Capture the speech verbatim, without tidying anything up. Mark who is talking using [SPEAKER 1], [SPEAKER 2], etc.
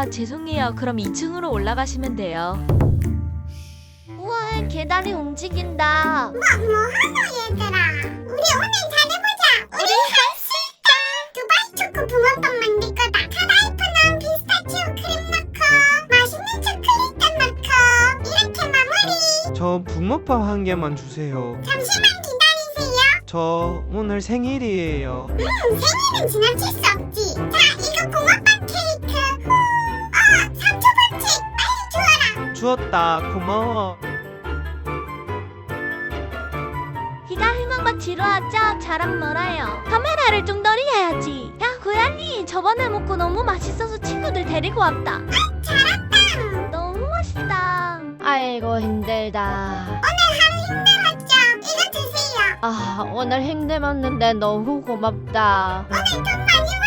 [SPEAKER 1] 아, 죄송해요. 그럼 이 층으로 올라가시면 돼요.
[SPEAKER 2] 우와, 계단이 움직인다.
[SPEAKER 3] 뭐, 뭐 하노 얘들아. 우리 오늘 잘해보자. 우리 할 수 있다. 두바이 초코 붕어빵 만들 거다. 카다이프 넣은 피스타치오 크림 넣고 맛있는 초콜릿도 넣고 이렇게 마무리.
[SPEAKER 4] 저 붕어빵 한 개만 주세요.
[SPEAKER 3] 잠시만 기다리세요.
[SPEAKER 4] 저 오늘 생일이에요.
[SPEAKER 3] 음, 생일은 지나칠 수 없지. 자, 이거 붕어빵 케이크. 후. 어, 삼 초 벌칙. 빨리 주워라.
[SPEAKER 4] 주었다. 고마워.
[SPEAKER 2] 희가 희망과 뒤로 하자. 자랑 멀어요. 카메라를 뚱더리해야지. 야, 고양이. 저번에 먹고 너무 맛있어서 친구들 데리고 왔다.
[SPEAKER 3] 잘했다.
[SPEAKER 2] 너무 맛있다. 아이고, 힘들다.
[SPEAKER 3] 오늘 하루 힘들었죠? 이거 드세요.
[SPEAKER 2] 아, 오늘 힘들었는데 너무 고맙다.
[SPEAKER 3] 오늘 돈 많이